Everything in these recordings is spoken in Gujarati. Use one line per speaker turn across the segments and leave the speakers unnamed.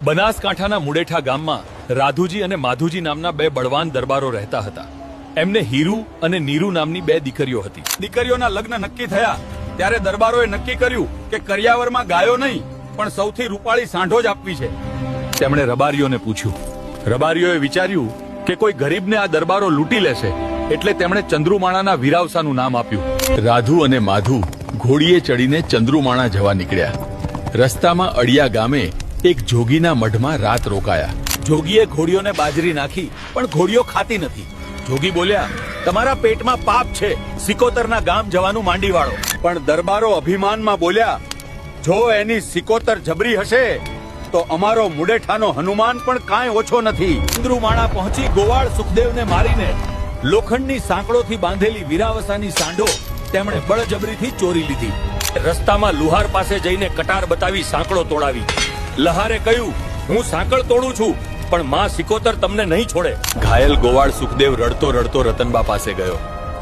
બનાસકાંઠાના મુડેઠા ગામમાં રાધુજી અને માધુજી નામના બે બળવાન દરબારો રહેતા હતા. એમને હીરુ અને નીરુ નામની બે દીકરીઓ હતી. દીકરીઓના લગ્ન નક્કી થયા ત્યારે દરબારોએ નક્કી કર્યું કે કરિયાવરમાં ગાયો નહીં પણ સૌથી રૂપાળી સાંઢો જ આપવી છે. તેમણે રબારીઓને પૂછ્યું. રબારીઓએ વિચાર્યું કે કોઈ ગરીબને આ દરબારો લૂંટી લેશે એટલે તેમણે ચંદ્રુમાણાના વીરાવસાનું નામ આપ્યું. રાધુ અને માધુ ઘોડીએ ચડીને ચંદ્રુમાણા જવા નીકળ્યા. રસ્તામાં અડિયા ગામે એક જોગીના મઢમાં રાત રોકાયા. જોગીએ ઘોડીઓને બાજરી નાખી પણ ઘોડીઓ ખાતી નથી. જોગી બોલ્યા, તમારા પેટમાં પાપ છે, સિકોતરના ગામ જવાનું માંડી વાળો. પણ દરબારો અભિમાનમાં બોલ્યા, જો એની સિકોતર જબરી હશે તો અમારો મુડેઠાનો હનુમાન પણ કાંઈ ઓછો નથી. ચંદ્રુમાણા પહોંચી ગોવાળ સુખદેવને મારીને લોખંડની સાંકળોથી બાંધેલી વીરાવસાની સાંઢો તેમણે બળજબરીથી ચોરી લીધી. રસ્તામાં લુહાર પાસે જઈને કટાર બતાવી સાંકળો તોડાવી. લહારે કહ્યું, હું સાંકળ તોડું છું પણ માં સિકોતર તમને નહીં છોડે. ઘાયલ ગોવાળ સુખદેવ રડતો રડતો રતનબા પાસે ગયો.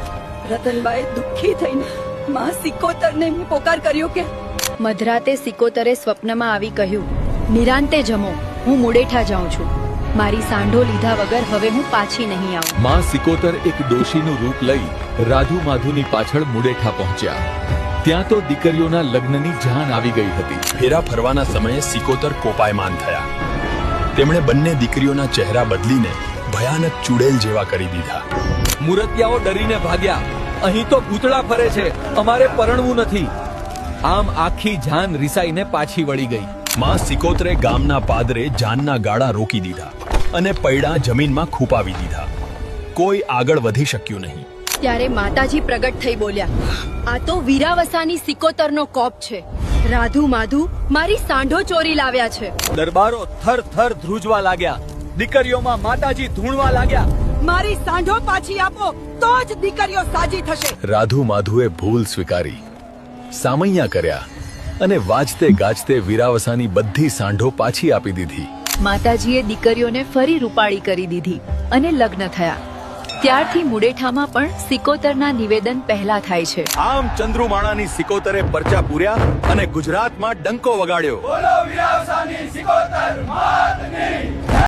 રતનબાએ દુઃખી થઈને માં સિકોતરને પોકાર કર્યો કે
મધરાતે સિકોતરે સ્વપ્નમાં આવી કહ્યું, નિરાંતે જમો, હું મુડેઠા જાઉં છું. મારી સાંઢો લીધા વગર હવે હું પાછી નહીં આવું.
માં સિકોતર એક ડોશીનું રૂપ લઈ રાધુ માધુની પાછળ મુડેઠા પહોંચ્યા. ત્યાં તો દીકરીઓના લગ્નની જાન આવી ગઈ હતી. ફેરા ફરવાના સમયે સિકોતર કોપાયમાન થયા. તેમણે બંને દીકરીઓના ચહેરા બદલીને ભયાનક ચુડેલ જેવા કરી દીધા. મુરતિયાઓ ડરીને ભાગ્યા. અહીં તો ભૂતળા ફરે છે, અમારે પરણવું નથી. આમ આખી જાન રિસાઈને પાછી વળી ગઈ. માં સિકોતરે ગામના પાદરે જાનના ગાળા રોકી દીધા અને પૈડા જમીનમાં ખૂપાવી દીધા. કોઈ આગળ વધી શક્યું નહીં.
ત્યારે માતાજી પ્રગટ થઈ બોલ્યા, આ તો વીરાવસાની સિકોતરનો કોપ છે. રાધુ માધુ મારી સાંઢો ચોરી લાવ્યા છે.
દરબારો થર થર ધ્રુજવા લાગ્યા. દીકરીઓમાં માતાજી ધૂણવા લાગ્યા,
મારી સાંઢો પાછી આપો તો જ દીકરીઓ સાજી થશે.
રાધુ માધુએ ભૂલ સ્વીકારી, સામૈયા કર્યા અને વાજતે ગાજતે વીરાવસાની બધી સાંઢો પાછી આપી દીધી.
માતાજીએ દીકરીઓને ફરી રૂપાળી કરી દીધી અને લગ્ન થયા. ત્યારથી મુડેઠામાં પણ સિકોતરના નિવેદન પહેલા થાય છે.
આમ ચંદ્રુમાણાની સિકોતરે પરચા પૂર્યા અને ગુજરાતમાં ડંકો વગાડ્યો. બોલો વીરાવસાની સિકોતર માતની.